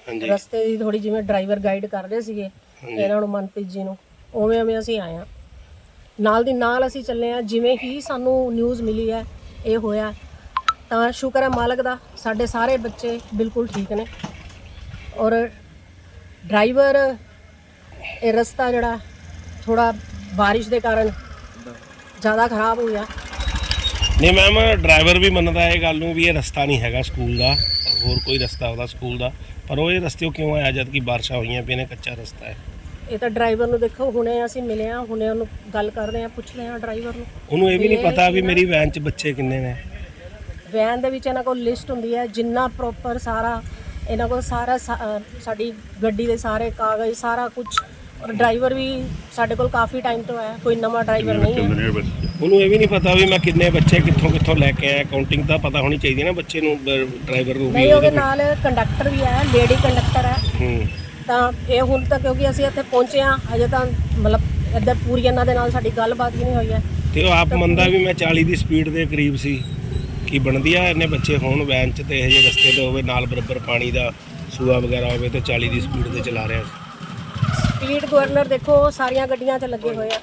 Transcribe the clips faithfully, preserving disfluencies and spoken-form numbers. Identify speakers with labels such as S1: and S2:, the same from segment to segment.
S1: ਰਸਤੇ ਦੀ ਥੋੜੀ ਜਿਵੇਂ ਡਰਾਈਵਰ ਗਾਈਡ ਕਰ ਰਹੇ ਸੀਗੇ ਇਹਨਾਂ ਨੂੰ, ਮਨਪ੍ਰੀਤ ਜੀ ਨੂੰ, ਉਵੇਂ ਉਵੇਂ ਅਸੀਂ ਆਏ ਹਾਂ। ਨਾਲ ਦੀ ਨਾਲ ਅਸੀਂ ਚੱਲੇ ਹਾਂ। ਜਿਵੇਂ ਹੀ ਸਾਨੂੰ ਨਿਊਜ਼ ਮਿਲੀ ਹੈ ਇਹ ਹੋਇਆ, ਤਾਂ ਸ਼ੁਕਰ ਹੈ ਮਾਲਕ ਦਾ, ਸਾਡੇ ਸਾਰੇ ਬੱਚੇ ਬਿਲਕੁਲ ਠੀਕ ਨੇ। ਔਰ ਡਰਾਈਵਰ ਇਹ ਰਸਤਾ ਜਿਹੜਾ ਥੋੜਾ ਬਾਰਿਸ਼ ਦੇ ਕਾਰਨ ਜ਼ਿਆਦਾ ਖਰਾਬ ਹੋ ਗਿਆ।
S2: ਨਹੀਂ ਮੈਮ, ਡਰਾਈਵਰ ਵੀ ਮੰਨਦਾ ਇਹ ਗੱਲ ਨੂੰ ਵੀ ਇਹ ਰਸਤਾ ਨਹੀਂ ਹੈਗਾ ਸਕੂਲ ਦਾ, ਹੋਰ ਕੋਈ ਰਸਤਾ ਉਹਦਾ ਸਕੂਲ ਦਾ, ਪਰ ਉਹ ਇਹ ਰਸਤੇ ਕਿਉਂ ਆਇਆ ਜਦ ਕਿ ਬਾਰਿਸ਼ਾਂ ਹੋਈਆਂ ਪਈਆਂ ਨੇ, ਕੱਚਾ ਰਸਤਾ ਹੈ।
S1: ਇਹ ਤਾਂ ਡਰਾਈਵਰ ਨੂੰ ਦੇਖੋ, ਹੁਣੇ ਅਸੀਂ ਮਿਲੇ ਹਾਂ, ਹੁਣੇ ਉਹਨੂੰ ਗੱਲ ਕਰਦੇ ਹਾਂ, ਪੁੱਛਦੇ ਹਾਂ ਡਰਾਈਵਰ ਨੂੰ।
S2: ਉਹਨੂੰ ਇਹ ਵੀ ਨਹੀਂ ਪਤਾ ਵੀ ਮੇਰੀ ਵੈਨ 'ਚ ਬੱਚੇ ਕਿੰਨੇ ਨੇ।
S1: ਵੈਨ ਦੇ ਵਿੱਚ ਇਹਨਾਂ ਕੋਲ ਲਿਸਟ ਹੁੰਦੀ ਹੈ, ਜਿੰਨਾ ਪ੍ਰੋਪਰ ਸਾਰਾ ਇਹਨਾਂ ਕੋਲ ਸਾਰਾ ਸਾਡੀ ਗੱਡੀ ਦੇ ਸਾਰੇ ਕਾਗਜ਼ ਸਾਰਾ ਕੁਝ। ਔਰ ਡਰਾਈਵਰ ਵੀ ਸਾਡੇ ਕੋਲ ਕਾਫੀ ਟਾਈਮ ਤੋਂ ਹੈ, ਕੋਈ ਨਵਾਂ ਡਰਾਈਵਰ ਨਹੀਂ ਹੈ।
S2: ਉਹਨੂੰ ਇਹ ਵੀ ਨਹੀਂ ਪਤਾ ਵੀ ਮੈਂ ਕਿੰਨੇ ਬੱਚੇ ਕਿੱਥੋਂ ਕਿੱਥੋਂ ਲੈ ਕੇ ਆਇਆ। ਕਾਊਂਟਿੰਗ ਤਾਂ ਪਤਾ ਹੋਣੀ ਚਾਹੀਦੀ ਨਾ ਬੱਚੇ ਨੂੰ, ਡਰਾਈਵਰ ਨੂੰ ਵੀ।
S1: ਨਹੀਂ, ਉਹਦੇ ਨਾਲ ਕੰਡਕਟਰ ਵੀ ਹੈ, ਲੇਡੀ ਕੰਡਕਟਰ ਹੈ।
S2: ਹੂੰ
S1: ਤਾਂ ਇਹ ਹੁਣ ਤੱਕ ਕਿਉਂਕਿ ਅਸੀਂ ਇੱਥੇ ਪਹੁੰਚੇ ਹਾਂ ਅਜੇ ਤਾਂ ਮਤਲਬ ਇੱਧਰ ਪੂਰੀ ਇਹਨਾਂ ਦੇ ਨਾਲ ਸਾਡੀ ਗੱਲਬਾਤ ਵੀ ਨਹੀਂ ਹੋਈ ਹੈ।
S2: ਤੇ ਉਹ ਆਪ ਮੰਨਦਾ ਵੀ ਮੈਂ ਚਾਲੀ ਦੀ ਸਪੀਡ ਦੇ ਕਰੀਬ ਸੀ। ਕੀ ਬਣਦੀ ਆ ਇੰਨੇ ਬੱਚੇ ਹੋਣ ਵੈਨ 'ਚ ਤੇ ਇਹ ਜਿਹੇ ਰਸਤੇ 'ਤੇ ਹੋਵੇ, ਨਾਲ ਬਰਾਬਰ ਪਾਣੀ ਦਾ ਸੂਆ ਵਗੈਰਾ ਹੋਵੇ ਤੇ ਚਾਲੀ ਦੀ ਸਪੀਡ 'ਤੇ ਚਲਾ ਰਿਹਾ।
S1: ਸਪੀਡ ਗਵਰਨਰ ਦੇਖੋ ਸਾਰੀਆਂ ਗੱਡੀਆਂ 'ਚ ਲੱਗੇ ਹੋਏ ਆ।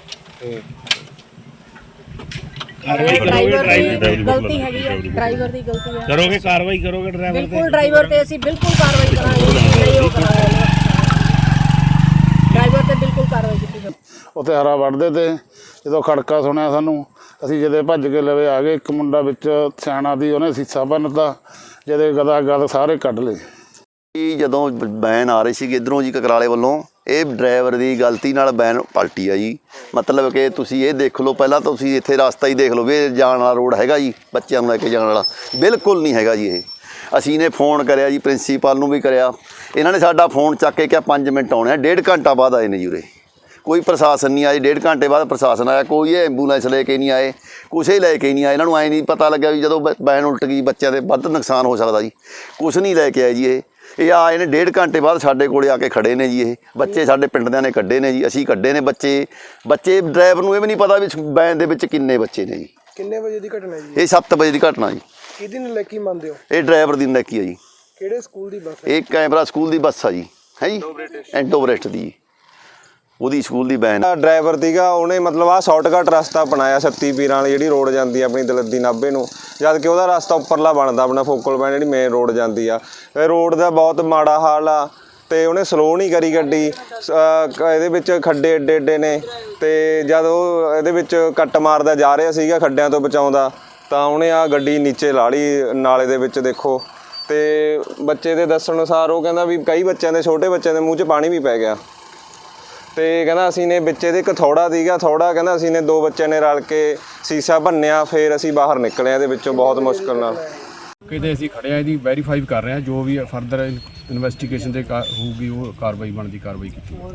S2: ਕਾਰਵਾਈ
S1: ਕਰੋਗੇ? ਗਲਤੀ ਹੈਗੀ ਹੈ, ਡਰਾਈਵਰ ਦੀ ਗਲਤੀ ਹੈ।
S2: ਕਰੋਗੇ ਕਾਰਵਾਈ ਕਰੋਗੇ ਡਰਾਈਵਰ ਤੇ?
S1: ਬਿਲਕੁਲ ਡਰਾਈਵਰ ਤੇ ਅਸੀਂ ਬਿਲਕੁਲ ਕਾਰਵਾਈ ਕਰਾਂਗੇ, ਨਹੀਂ ਉਹ ਕਰਾਂਗੇ ਡਰਾਈਵਰ ਤੇ ਬਿਲਕੁਲ ਕਾਰਵਾਈ ਕੀਤੀ ਜਾਵੇ।
S3: ਉੱਥੇ ਹਰਾ ਵੱਢਦੇ ਤੇ ਜਦੋਂ ਖੜਕਾ ਸੁਣਿਆ ਸਾਨੂੰ, ਅਸੀਂ ਜਦੇ ਭੱਜ ਕੇ ਲਵੇ ਆ ਗਏ। ਇੱਕ ਮੁੰਡਾ ਵਿੱਚ ਸਿਆਣਾ ਦੀ, ਉਹਨੇ ਸੀਸਾ ਭੰਨਤਾ, ਜਦੇ ਗਦਾ ਗਦ ਸਾਰੇ ਕੱਢ ਲਏ।
S4: ਜਦੋਂ ਵੈਨ ਆ ਰਹੀ ਸੀ ਇੱਧਰੋਂ ਜੀ ਕਕਰਾਲੇ ਵੱਲੋਂ, ਇਹ ਡਰਾਈਵਰ ਦੀ ਗਲਤੀ ਨਾਲ ਵੈਨ ਪਲਟੀ ਆ ਜੀ। ਮਤਲਬ ਕਿ ਤੁਸੀਂ ਇਹ ਦੇਖ ਲਓ, ਪਹਿਲਾਂ ਤੁਸੀਂ ਇੱਥੇ ਰਸਤਾ ਹੀ ਦੇਖ ਲਓ ਵੀ ਇਹ ਜਾਣ ਵਾਲਾ ਰੋਡ ਹੈਗਾ ਜੀ, ਬੱਚਿਆਂ ਨੂੰ ਲੈ ਕੇ ਜਾਣ ਵਾਲਾ ਬਿਲਕੁਲ ਨਹੀਂ ਹੈਗਾ ਜੀ। ਇਹ ਅਸੀਂ ਨੇ ਫੋਨ ਕਰਿਆ ਜੀ, ਪ੍ਰਿੰਸੀਪਲ ਨੂੰ ਵੀ ਕਰਿਆ, ਇਹਨਾਂ ਨੇ ਸਾਡਾ ਫੋਨ ਚੱਕ ਕੇ ਕਿਹਾ ਪੰਜ ਮਿੰਟ ਆਉਣੇ ਆ। ਡੇਢ ਘੰਟਾ ਬਾਅਦ ਆਏ ਨੇ ਜੀ ਉਰੇ, ਕੋਈ ਪ੍ਰਸ਼ਾਸਨ ਨਹੀਂ ਆਇਆ। ਡੇਢ ਘੰਟੇ ਬਾਅਦ ਪ੍ਰਸ਼ਾਸਨ ਆਇਆ, ਕੋਈ ਐਂਬੂਲੈਂਸ ਲੈ ਕੇ ਨਹੀਂ ਆਏ, ਕੁਛ ਹੀ ਲੈ ਕੇ ਨਹੀਂ ਆਏ। ਇਹਨਾਂ ਨੂੰ ਐਂ ਨਹੀਂ ਪਤਾ ਲੱਗਿਆ ਵੀ ਜਦੋਂ ਵੈਨ ਉਲਟ ਗਈ ਬੱਚਿਆਂ ਦੇ ਵੱਧ ਨੁਕਸਾਨ ਹੋ ਸਕਦਾ ਜੀ, ਕੁਛ ਨਹੀਂ ਲੈ ਕੇ ਆਏ ਜੀ। ਇਹ ਇਹ ਆਏ ਨੇ ਡੇਢ ਘੰਟੇ ਬਾਅਦ ਸਾਡੇ ਕੋਲੇ ਆ ਕੇ ਖੜੇ ਨੇ ਜੀ। ਇਹ ਬੱਚੇ ਸਾਡੇ ਪਿੰਡ ਦਿਆਂ ਨੇ ਕੱਢੇ ਨੇ ਜੀ, ਅਸੀਂ ਕੱਢੇ ਨੇ ਬੱਚੇ। ਬੱਚੇ ਡਰਾਈਵਰ ਨੂੰ ਇਹ ਵੀ ਨਹੀਂ ਪਤਾ ਵੀ ਵੈਨ ਦੇ ਵਿੱਚ ਕਿੰਨੇ ਬੱਚੇ ਨੇ ਜੀ।
S5: ਕਿੰਨੇ ਵਜੇ ਦੀ ਘਟਨਾ ਜੀ
S4: ਇਹ? ਸੱਤ ਵਜੇ ਦੀ ਘਟਨਾ ਜੀ।
S5: ਕਿਹਦੀ ਨਲਾਇਕੀ ਮੰਨਦੇ ਹੋ?
S4: ਇਹ ਡਰਾਈਵਰ ਦੀ ਨਲਾਇਕੀ ਆ ਜੀ।
S5: ਕਿਹੜੇ ਸਕੂਲ ਦੀ ਬੱਸ ਹੈ?
S4: ਇਹ ਕੈਮਰਾ ਸਕੂਲ ਦੀ ਬੱਸ ਆ ਜੀ, ਹੈ ਜੀ, ਐਂਟੋਬਰੇਸਟ ਦੀ, ਉਹਦੀ ਸਕੂਲ ਦੀ ਵੈਨ।
S6: ਡਰਾਈਵਰ ਸੀਗਾ, ਉਹਨੇ ਮਤਲਬ ਆਹ ਸ਼ਾਰਟਕਟ ਰਸਤਾ ਬਣਾਇਆ ਸੱਤੀ ਪੀਰਾਂ ਵਾਲੀ ਜਿਹੜੀ ਰੋਡ ਜਾਂਦੀ ਆ ਆਪਣੀ ਦਲੱਦੀ ਨਾਭੇ ਨੂੰ, ਜਦ ਕਿ ਉਹਦਾ ਰਸਤਾ ਉੱਪਰਲਾ ਬਣਦਾ ਆਪਣਾ ਫੋਕਲ ਪੁਆਇੰਟ ਜਿਹੜੀ ਮੇਨ ਰੋਡ ਜਾਂਦੀ ਆ। ਇਹ ਰੋਡ ਦਾ ਬਹੁਤ ਮਾੜਾ ਹਾਲ ਆ ਤੇ ਉਹਨੇ ਸਲੋ ਨਹੀਂ ਕਰੀ ਗੱਡੀ। ਇਹਦੇ ਵਿੱਚ ਖੱਡੇ ਏਡੇ ਏਡੇ ਨੇ, ਤੇ ਜਦ ਉਹ ਇਹਦੇ ਵਿੱਚ ਕੱਟ ਮਾਰਦਾ ਜਾ ਰਿਹਾ ਸੀਗਾ ਖੱਡਿਆਂ ਤੋਂ ਬਚਾਉਂਦਾ, ਤਾਂ ਉਹਨੇ ਆ ਗੱਡੀ ਨੀਚੇ ਲਾ ਲਈ ਨਾਲੇ ਦੇ ਵਿੱਚ। ਦੇਖੋ, ਤੇ ਬੱਚੇ ਦੇ ਦੱਸਣ ਅਨੁਸਾਰ ਉਹ ਕਹਿੰਦਾ ਵੀ ਕਈ ਬੱਚਿਆਂ ਦੇ, ਛੋਟੇ ਬੱਚਿਆਂ ਦੇ ਮੂੰਹ 'ਚ ਪਾਣੀ ਵੀ ਪੈ ਗਿਆ। ਤੇ ਕਹਿੰਦਾ ਅਸੀਂ ਨੇ ਵਿੱਚ ਇਹਦੇ ਇੱਕ ਥੋੜਾ ਸੀਗਾ, ਥੋੜਾ ਕਹਿੰਦਾ ਅਸੀਂ ਨੇ ਦੋ ਬੱਚਿਆਂ ਨੇ ਰਲ ਕੇ ਸੀਸਾ ਭੰਨਿਆ, ਫਿਰ ਅਸੀਂ ਬਾਹਰ ਨਿਕਲੇ ਇਹਦੇ ਵਿੱਚੋਂ ਬਹੁਤ ਮੁਸ਼ਕਲ ਨਾਲ।
S7: ਕਿਤੇ ਅਸੀਂ ਖੜਿਆ, ਇਹਦੀ ਵੈਰੀਫਾਈ ਕਰ ਰਹੇ ਹਾਂ, ਜੋ ਵੀ ਫਰਦਰ ਇਨਵੈਸਟੀਗੇਸ਼ਨ ਦੇ ਹੋਊਗੀ ਉਹ ਕਾਰਵਾਈ ਬਣਦੀ ਕਾਰਵਾਈ ਕੀਤੀ।